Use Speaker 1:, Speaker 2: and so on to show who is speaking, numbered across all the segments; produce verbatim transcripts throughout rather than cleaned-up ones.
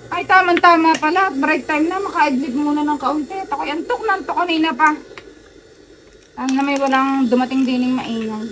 Speaker 1: Ay, tama-tama pala. Break time na. Maka-adlib muna ng kaunti. At ako'y antok na antok kanina pa. Ano na may walang dumating dining maingan.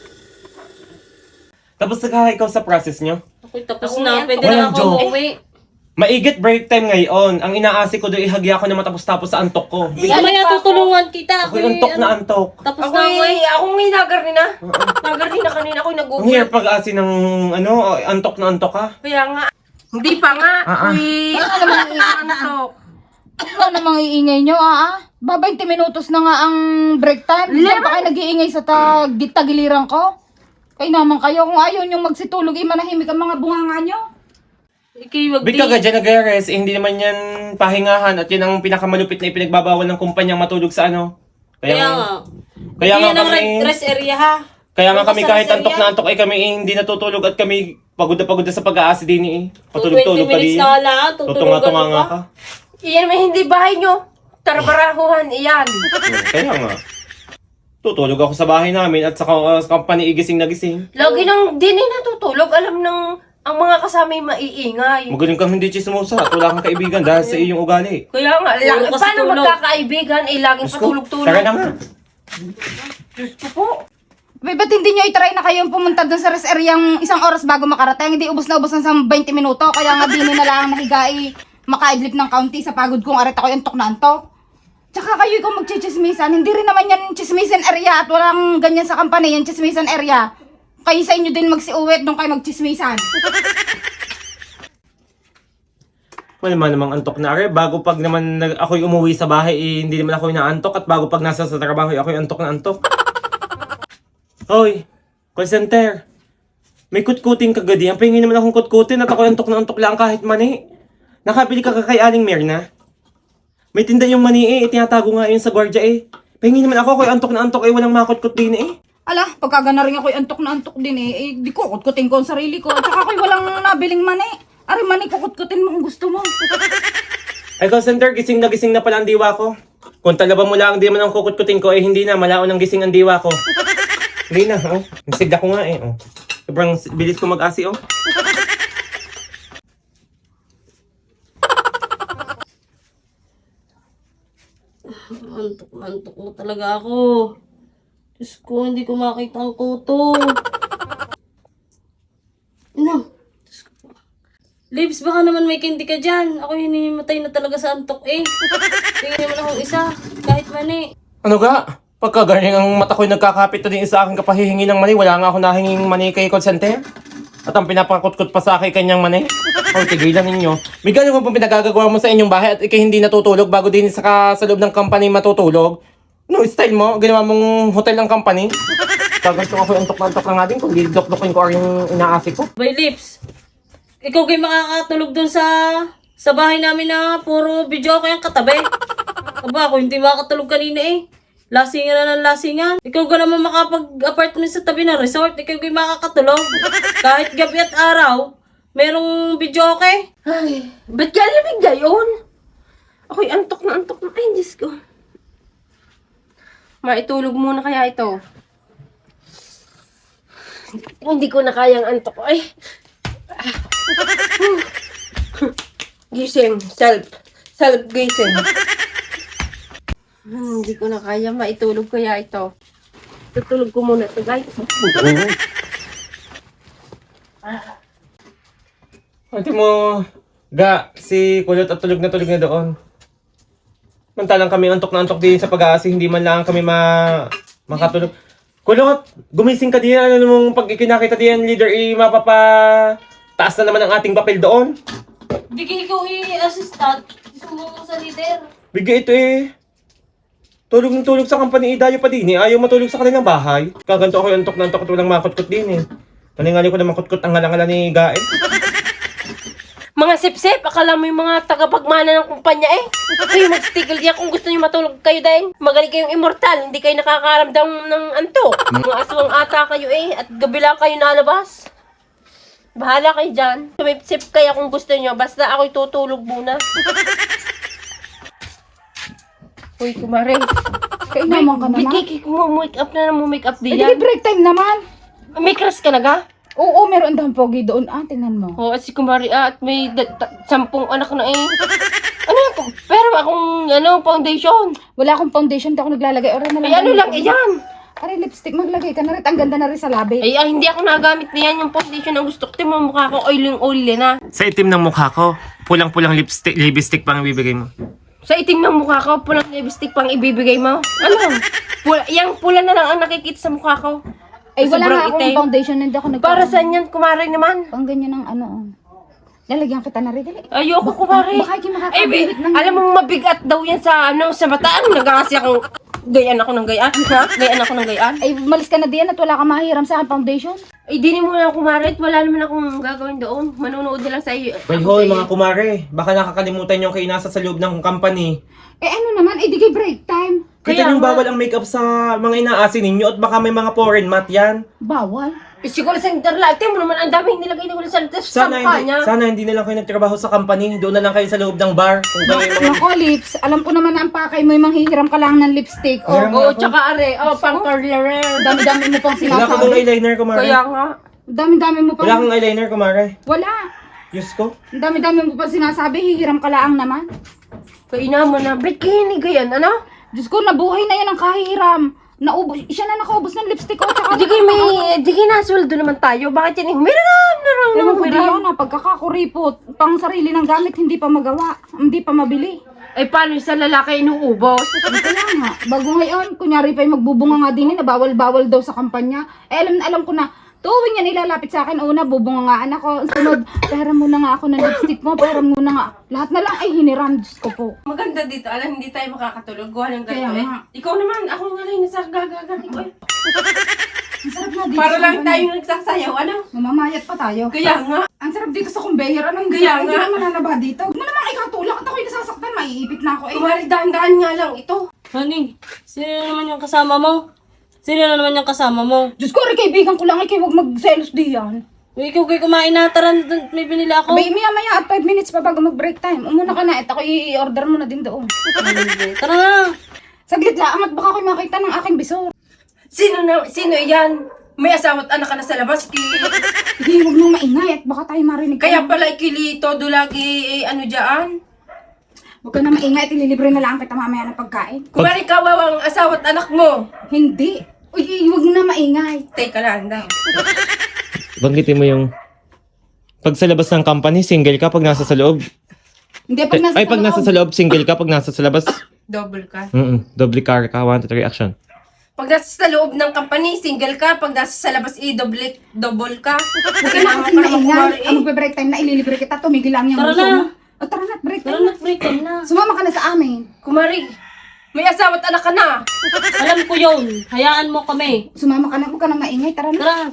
Speaker 2: Tapos na ikaw sa process nyo?
Speaker 3: Ako'y tapos
Speaker 1: Ako
Speaker 3: na.
Speaker 1: yan,
Speaker 3: Pwede
Speaker 2: walang
Speaker 3: na ako
Speaker 2: joke.
Speaker 3: umuwi.
Speaker 2: Maigit break time ngayon. Ang inaasi ko doon, ihagya ko na matapos-tapos sa antok ko.
Speaker 3: Mamaya tutulungan kita.
Speaker 2: Ako'y antok na antok.
Speaker 3: Tapos
Speaker 4: Ako
Speaker 3: na ako eh.
Speaker 4: eh, ako nga nagarni na. Nagarni na kanina ako
Speaker 2: Ang
Speaker 4: nag-google.
Speaker 2: hirap pag-asi ng ano, antok na antok ka.
Speaker 4: Kaya nga. Hindi pa nga.
Speaker 2: Ah, ah.
Speaker 4: Uy,
Speaker 1: Ano namang
Speaker 4: antok.
Speaker 1: Ano namang iingay nyo, ah? ah? Ba, twenty minutos na nga ang break time. Diyan pa kayo nag-iingay sa tag tagiliran ko. Kayo naman kayo, kung ayaw nyong magsitulog, eh, manahimik ang mga bunganga nyo.
Speaker 3: Ikay wag
Speaker 2: Big ka ka dyan nag-rest, eh, hindi naman yan pahingahan at yan ang pinakamalupit na ipinagbabawal ng kumpanyang matulog sa ano.
Speaker 3: Kaya
Speaker 2: Kaya,
Speaker 3: nga.
Speaker 2: kaya nga
Speaker 3: Yan ang
Speaker 2: kami,
Speaker 3: rest area ha.
Speaker 2: kaya nga
Speaker 3: Punta
Speaker 2: kami
Speaker 3: sa
Speaker 2: kahit
Speaker 3: rest
Speaker 2: antok
Speaker 3: area.
Speaker 2: na antok ay kami eh, hindi natutulog at kami pagod na pagod na sa pag-aasi din eh.
Speaker 3: twenty
Speaker 2: Patulog-tulog ka
Speaker 3: minutes
Speaker 2: din.
Speaker 3: na wala. Tutulungan
Speaker 2: Tutunga-tunga
Speaker 3: mo
Speaker 2: nga
Speaker 3: pa.
Speaker 2: ka.
Speaker 4: Iyan may hindi bahay nyo. Tarbarahuhan, iyan.
Speaker 2: Hmm, Kaya nga. Tutulog ako sa bahay namin at sa, ka- sa company igising na gising.
Speaker 4: Lagi nang din eh natutulog. Alam ng ang mga kasama yung maiingay.
Speaker 2: Magaling kang hindi chismosa at wala kang kaibigan dahil sa iyong ugali.
Speaker 4: Kaya nga,
Speaker 3: Puro
Speaker 4: lang,
Speaker 3: kasi
Speaker 4: paano
Speaker 3: tulog.
Speaker 4: magkakaibigan eh laging
Speaker 2: Diyos ko,
Speaker 4: patulog-tulog.
Speaker 2: tara na nga.
Speaker 4: Diyos ko po.
Speaker 1: May ba't hindi nyo i-try na kayong pumunta dun sa rest area yung isang oras bago makarating? Hindi ubos na ubos na sa twenty minuto. Kaya nga din na lang nahiga eh, makaidlip ng kaunti sa pagod kong arit ako antok na antok. Tsaka kayo kung magchichismisan, hindi rin naman yan chismisan area at walang ganyan sa company, yan chismisan area. Kayo sa inyo din magsiuwit nung kayo magchismisan.
Speaker 2: Wala naman namang antok na are. Bago pag naman nag- ako'y umuwi sa bahay, eh, hindi naman ako inaantok. At bago pag nasa sa trabaho, eh, ako'y antok na antok. Hoy, call center. May kutkuting kagadi. Ang pahingin naman akong kutkutin at ako'y antok na antok lang kahit mani. Nakabili ka kay Aling Mirna. May tinda yung mani eh. Itinatago nga yun sa gwardiya eh. Pahingin naman ako, ako'y antok na antok eh. Walang makutkut din eh.
Speaker 1: Ala, pagkagana rin ako'y antok na antok din eh, eh di ko kutkutin ko ang sarili ko. At saka ako'y walang nabiling mani. Ari mani, kukutkutin mo kung gusto mo.
Speaker 2: Ay, call center, gising na gising na pala ang diwa ko. Kung talaba mo lang, di man ang kukutkutin ko, eh hindi na, malaon ang gising ang diwa ko. Hindi na, oh. Nasigla ko nga eh, oh. Sobrang bilis ko mag-asi, oh.
Speaker 3: Antok na antok mo talaga ako. Diyos ko, hindi ko makita ang kuto. Ano? Diyos ko. Lips, baka naman may candy ka dyan. Ako hinimatay na talaga sa antok eh. Tingin naman akong isa, kahit mani.
Speaker 2: Ano ga? Pagka galing ang mata ko'y nagkakapit na din sa akin kapahihingi ng mani, wala nga ako nahinging mani kay call center. At ang pinapakutkot pa sa akin kanyang mani. O, tigilan ninyo. May ganun mo pong pinagagagawa mo sa inyong bahay at ikay hindi natutulog bago din sa, ka, sa loob ng company matutulog. No, style mo, ginawa mong hotel ng company. Tagal ko ako antok na antok na nga din kung didok-dokin ko or yung inaasi ko.
Speaker 3: By Lips, ikaw kayo makakatulog dun sa sa bahay namin na puro video ko yung katabi. Aba, ako hindi makakatulog kanina eh. Lasingan na ng lasingan. Ikaw ka naman makapag-apartment sa tabi ng resort. Ikaw kayo makakatulog. Kahit gabi at araw, merong video okay.
Speaker 4: Ay, ba't ka lamig gayon? Ako'y antok na antok na. Ay, Diyos ko. Maitulog muna kaya ito. Hindi ko na kayang antok. Ay. Ah. Gising. Self. Self gising. Hmm, hindi ko na kaya maitulog kaya ito. Tutulog ko muna ito, guys.
Speaker 2: Ate mo, ga, si Kulot at tulog na tulog na doon. Mantalang kami antok na antok din sa pag-aasi, hindi man lang kami ma makatulog. Kulot, gumising ka din. Ano mong pag ikinakita din, leader, i mapapa taas na naman ang ating papel doon.
Speaker 3: Bigay ikaw i-assistant. Gusto mo sa leader.
Speaker 2: Bigay ito eh. Tulog ng tulog sa company, idayo pa din eh. Ayaw matulog sa kanilang bahay. Kaganto ako yung antok na antok at walang makutkot din eh. Nalingali ko na makutkot ang ngalangala ni Gaet.
Speaker 4: Mga sip-sip, akala mo yung mga tagapagmana ng kumpanya eh. Kayo mag-stigil diyan kung gusto nyo matulog kayo dahil. Magaling kayong immortal, hindi kayo nakakaramdam ng anto. Mga aswang ata kayo eh, at gabi lang kayo nalabas. Bahala kayo dyan. Sip-sip kaya kung gusto nyo, basta ako'y tutulog muna. Uy, kumare.
Speaker 1: Kayo naman ka naman.
Speaker 4: Bigay ko mo make up na na mo make up
Speaker 1: Eh, di
Speaker 4: diyan.
Speaker 1: break time naman.
Speaker 4: May crush ka na ga?
Speaker 1: Oo, meron daw pogi doon. Ah, tingnan mo.
Speaker 4: Oo, at si Kumari, ah, at may da- ta- sampung anak na eh. Ano yan? Pero akong, ano, foundation.
Speaker 1: Wala akong foundation, di ako naglalagay. Ora na lang.
Speaker 4: Ay, ano lang, iyan.
Speaker 1: Aray, lipstick, maglagay ka na rin. Ang ganda na rin sa labi.
Speaker 4: Ay, ah, hindi ako nagamit na yan. Yung foundation ang gusto ko. Tingnan mo mukha ko, oily-oily na.
Speaker 2: Sa itim ng mukha ko, pulang-pulang lipstick, lipstick pang ibibigay mo.
Speaker 4: Sa itim ng mukha ko, pulang lipstick pang ibibigay mo. Ano? Pula, yung pula na lang ang nakikita sa mukha ko.
Speaker 1: Ay, wala
Speaker 4: Sobrang
Speaker 1: nga akong
Speaker 4: itim.
Speaker 1: foundation. Hindi ako nag-
Speaker 4: Para saan yan, Kumari naman?
Speaker 1: Pang ganyan ng ano. oh. Lalagyan kita na rin. Dali.
Speaker 4: Ayoko, Kumari.
Speaker 1: Baka hindi
Speaker 4: Eh,
Speaker 1: makakabilit ng...
Speaker 4: alam mo, mabigat daw yan sa, ano, sa bataan. Nagkakasi akong, gayaan ako ng gayaan. Ha? Gayaan ako ng gayaan.
Speaker 1: Ay, malis ka na diyan at wala ka mahiram sa akin foundation.
Speaker 4: Ay, di mo na Kumari. at Wala naman akong gagawin doon. Manunood na lang sa iyo.
Speaker 2: Well, hoy, mga kumare, baka nakakalimutan yung kayo nasa sa loob ng company.
Speaker 1: Eh, ano naman? Eh, di kay break time.
Speaker 2: Kita
Speaker 4: Kaya
Speaker 2: yung
Speaker 4: nga.
Speaker 2: bawal ang makeup sa mga inaasin ninyo at baka may mga foreign mat yan.
Speaker 1: Bawal.
Speaker 4: Eh, siguro sa internet. Tingnan mo naman, ang daming nilagay na ko sa sa
Speaker 2: Sana hindi,
Speaker 4: kampanya.
Speaker 2: sana hindi na lang kayo nagtrabaho sa company. Doon na lang kayo sa loob ng bar. Kung kayo yung mga...
Speaker 1: Nako, lips. Alam ko naman na ang pakay mo yung manghihiram ka lang ng lipstick. O,
Speaker 2: Hiram
Speaker 4: Oo,
Speaker 2: ako.
Speaker 4: tsaka are. Oh, pang curler.
Speaker 1: dami-dami mo pang
Speaker 2: Wala ka bang
Speaker 1: sinasabi.
Speaker 2: eyeliner, kumare?
Speaker 4: Kaya nga.
Speaker 1: Dami-dami mo pang...
Speaker 2: Wala kang eyeliner, kumare?
Speaker 1: Wala.
Speaker 2: Diyos ko.
Speaker 1: Ang dami-dami mo pang sinasabi, hihiram ka lang naman.
Speaker 4: Kaya mo na. Ba't kinig yan? Ano?
Speaker 1: Diyos ko, nabuhay na yan ang kahihiram. Naubos, siya na nakaubos ng lipstick ko. Tsaka
Speaker 4: Di kayo may, di kayo nasweldo naman tayo. Bakit yan? Humiram na lang.
Speaker 1: Ewan ko di
Speaker 4: Humiram.
Speaker 1: yun na, pagkakakuripot, pang sarili ng gamit, hindi pa magawa, hindi pa mabili.
Speaker 4: Ay, paano sa lalaki inuubos?
Speaker 1: Ano kaya nga, bago ngayon, kunyari pa yung magbubunga nga din, na bawal-bawal daw sa kampanya. Eh, alam na alam ko na, tuwing yan ilalapit sa akin, una, bubungangaan ako. Sunod, pera muna nga ako ng lipstick mo, pera muna nga. Lahat na lang ay hiniram, Diyos ko po.
Speaker 4: Maganda dito. Alam, hindi tayo makakatulog. Gawa ng
Speaker 1: Kaya
Speaker 4: ganito eh.
Speaker 1: nga.
Speaker 4: Ikaw naman, ako nga lang nasa gagagani ko eh.
Speaker 1: Ang sarap na dito.
Speaker 4: Para
Speaker 1: sa
Speaker 4: lang
Speaker 1: kampanya.
Speaker 4: tayo nagsasayaw, ano?
Speaker 1: Mamamayat pa tayo.
Speaker 4: Kaya nga.
Speaker 1: Ang sarap dito sa conveyor. Anong
Speaker 4: Kaya
Speaker 1: gaya? Hindi
Speaker 4: nga.
Speaker 1: naman nanaba dito. Huwag mo namang ikatulak at ako'y nasasaktan. Maiipit na ako eh.
Speaker 4: Kumari, dahan-dahan nga lang ito.
Speaker 3: Honey, sino na naman yung kasama mo? Sino na naman yung kasama mo?
Speaker 1: Diyos ko, rin kaibigan ko lang. Ikaw huwag magselos diyan.
Speaker 3: Uy, ikaw kayo kumain na. Tara, dun- may binili ako.
Speaker 1: Abay, maya maya at five minutes pa bago mag-break time. Umuna ka na at ako i-order mo na din doon.
Speaker 3: Tara na.
Speaker 1: Saglit lang at baka ako'y makita ng aking bisor.
Speaker 4: Sino na, sino yan? May asawa at anak ka na sa labas. Ki...
Speaker 1: Hindi, huwag mong maingay at baka tayo marinig ka.
Speaker 4: Kaya pala ikilito, dulagi, eh, ano dyan?
Speaker 1: Huwag ka na maingay at ililibre na lang kita mamaya ng pagkain.
Speaker 4: Kumari, kawawa ang asawa at anak mo.
Speaker 1: Hindi. Uy, huwag na maingay.
Speaker 4: Teka lang, daw.
Speaker 2: Banggitin mo yung... Pag sa labas ng company, single ka pag nasa sa loob.
Speaker 1: Hindi, pag nasa
Speaker 2: Ay, pag nasa sa loob, single ka. Pag nasa sa labas,
Speaker 4: Double ka.
Speaker 2: mm doble car ka. One, two, three, action.
Speaker 4: Pag nasa sa loob ng company, single ka. Pag nasa sa labas, i-double double ka.
Speaker 1: Huwag ka na kasi maingay. Ang magbe-break time na ililibre kita, tumigil lang yung
Speaker 3: Tara
Speaker 1: uso
Speaker 3: na.
Speaker 1: mo. O tara na, break
Speaker 3: Tara
Speaker 1: time
Speaker 3: na, break time na.
Speaker 1: Sumama ka na sa amin.
Speaker 4: Kumari, may asawa at anak ka na.
Speaker 3: Alam ko yun. Hayaan mo kami.
Speaker 1: Sumama ka na, huwag ka na maingay. Tara na.
Speaker 3: Tara.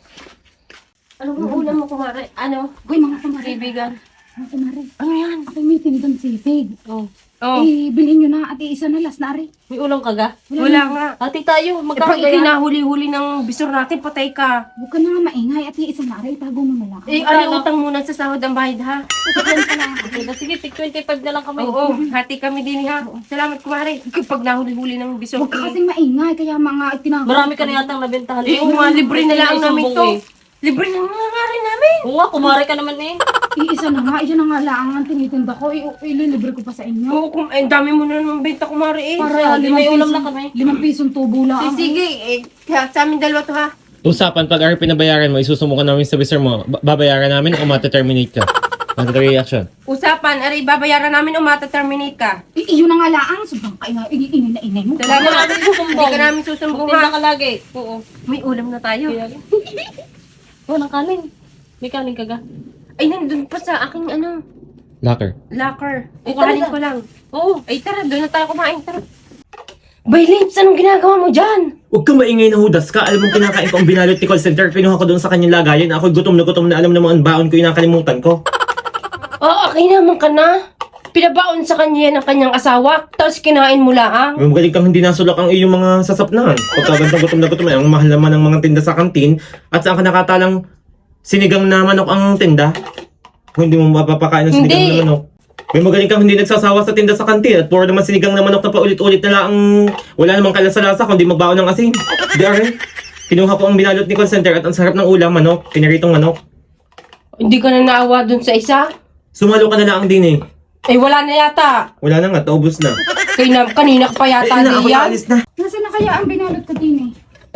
Speaker 4: Ano ang ulam mo, kumari? Ano?
Speaker 1: Uy, mga kumari.
Speaker 4: Kaibigan.
Speaker 1: Mga kumari.
Speaker 4: Ano yan?
Speaker 1: Ako'y may tinidang sipig.
Speaker 3: Oh.
Speaker 4: Oh,
Speaker 1: Eh, bilhin nyo na at iisa na last na rin.
Speaker 3: May ulam ka ga?
Speaker 4: wala nga.
Speaker 3: Ati tayo.
Speaker 4: Eh, pag
Speaker 3: Magkakagaya.
Speaker 4: ikinahuli-huli ng bisor natin, patay ka.
Speaker 1: Huwag ka na nga maingay at iisa na rin. Tago mo na lang.
Speaker 4: Eh, ano utang muna sa sahod ang bayad, ha?
Speaker 3: Okay, sige, tig twenty-five na lang kami.
Speaker 4: Oo, hati kami din, ha? Salamat, kumari. Pag nahuli-huli ng bisor,
Speaker 1: Huwag ka
Speaker 4: eh.
Speaker 1: kasing maingay. Kaya mga itinago.
Speaker 3: Marami ka na yatang nabentahan.
Speaker 4: Eh, oo nga, libre na lang namin to.
Speaker 3: Eh.
Speaker 4: Libre na nga rin namin.
Speaker 3: Oo nga, kumari ka naman eh.
Speaker 1: Iisa na nga. Isa na nga lang ang tinitinda ko. I- ililibre ko pa sa inyo.
Speaker 4: Oo, kum- eh, dami mo na naman benta, kumari, eh.
Speaker 1: Para
Speaker 3: Sige,
Speaker 1: limang
Speaker 3: may ulam
Speaker 1: piso-
Speaker 3: na kami.
Speaker 1: Limang pisong tubo lang.
Speaker 4: Eh, sige, eh, kaya sa amin dalawa to, ha?
Speaker 2: Usapan, pag ari pinabayaran mo, isusumukan namin sa visor mo, ba- babayaran namin o mata-terminate ka. One, two, three, action.
Speaker 4: Usapan, aray, babayaran namin o mata-terminate ka.
Speaker 1: I- iyon na nga lang. Sobrang kaingay. I- Inay na inay mo.
Speaker 3: Hindi ka
Speaker 4: Salamat.
Speaker 3: namin susumbong.
Speaker 4: Hindi ka namin susumbong,
Speaker 3: Magtinda
Speaker 4: ha?
Speaker 3: ka lagi. Oo.
Speaker 4: May ulam na tayo.
Speaker 3: Oo, ng kanin. May kanin ka ga?
Speaker 4: Ay, nandun pa sa aking, ano,
Speaker 2: Locker.
Speaker 4: locker.
Speaker 3: Ay,
Speaker 4: Kukuhanin
Speaker 3: talaga?
Speaker 4: ko lang.
Speaker 3: Oo.
Speaker 4: Ay, tara, doon na tayo kumain, tara. Bay, Lips, anong ginagawa mo dyan?
Speaker 2: Huwag kang maingay na hudas ka. Alam mong kinakain ko ang binalot ni call center. Kinuha ko doon sa kanyang lagayan. Ako'y gutom na gutom na alam naman ang baon ko yung nakalimutan ko.
Speaker 4: Oo, okay naman ka na. Pinabaon sa kanya yan ang kanyang asawa, tapos kinain mo lang.
Speaker 2: May magaling kang hindi nasulak ang iyong mga sasapnan. Pagkagandang gutom na gutom na, ang mahal naman ng mga tinda sa kantin. At saan ka nakatalang sinigang na manok ang tinda? Kung hindi mo mapapakain ng sinigang
Speaker 4: Hindi.
Speaker 2: na manok. May magaling kang hindi nagsasawa sa tinda sa kantin. At puro naman sinigang na manok na paulit-ulit na lang. Wala namang kalasa-lasa kundi magbaon ng asin. Di are. Kinuha ko ang binalot ni call center at ang sarap ng ulam, manok. Pinaritong manok.
Speaker 4: Hindi ka na naawa dun sa isa?
Speaker 2: Sumalo ka na lang din eh.
Speaker 4: Eh, wala na yata.
Speaker 2: Wala na nga, taubos na.
Speaker 4: Kaya na, kanina ka pa
Speaker 2: Ay,
Speaker 4: yata
Speaker 2: na, ako
Speaker 4: diyan.
Speaker 2: alis na.
Speaker 1: Nasaan na kaya ang binalot ko din eh?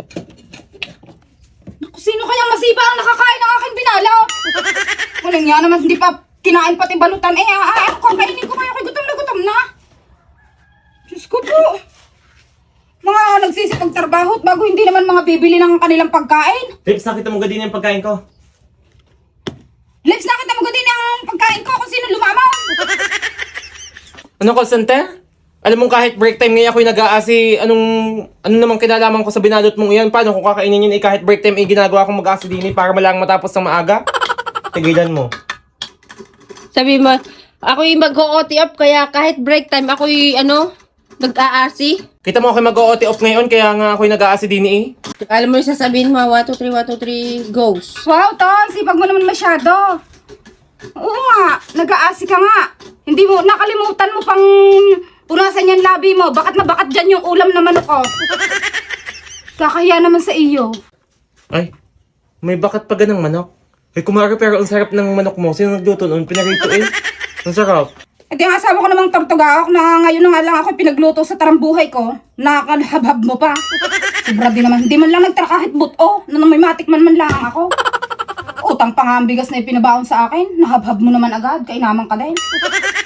Speaker 1: Naku, sino kayang masiba ang nakakain ng aking binalot? Walang yan naman, hindi pa kinain pati balutan. Eh, ah, ah, ako, kainin ko kaya, gutom na gutom na. Diyos ko po. Mga nagsisipagtrabaho at bago hindi naman mga bibili ng kanilang pagkain.
Speaker 2: Lips, nakita mo gadin yung pagkain ko.
Speaker 1: Lips, nakita mo din ang pagkain ko kung sino lumamaw.
Speaker 2: Ano call center? Alam mo kahit break time ngayon ako'y nag-aasi, anong, ano namang kinalaman ko sa binalot mong iyan? Paano kung kakainin yun eh kahit break time eh ginagawa kong mag-aasi din eh para malang matapos ng maaga? Tigilan mo.
Speaker 4: Sabi mo, ako'y mag-o T up kaya kahit break time ako'y ano, nag-aasi.
Speaker 2: Kita mo ako'y mag-o T off ngayon kaya nga ako'y nag-aasi din eh.
Speaker 4: Alam mo yung sasabihin mo, one, two, three, one, two, three, goes.
Speaker 1: Wow, Ton, sipag mo naman masyado. Oo nga, nag-aasi ka nga. Hindi mo, nakalimutan mo pang punasan yung labi mo. Bakat na bakat dyan yung ulam na manok ko. Kakahiya naman sa iyo.
Speaker 2: Ay, may bakat pa ganang manok. Ay kumari pero ang sarap ng manok mo. Sino nagluto noon? Pinarito eh. Ang sarap.
Speaker 1: At yung asawa ko namang tortugaok na ngayon na nga lang ako pinagluto sa tarambuhay ko. Nakakalhabhab mo pa. Sobra din naman. Hindi man lang nagtara kahit buto. Na may matikman man lang ako. Utang pa nga ang bigas na ipinabaon sa akin. Nahabhab mo naman agad. Kainaman ka din.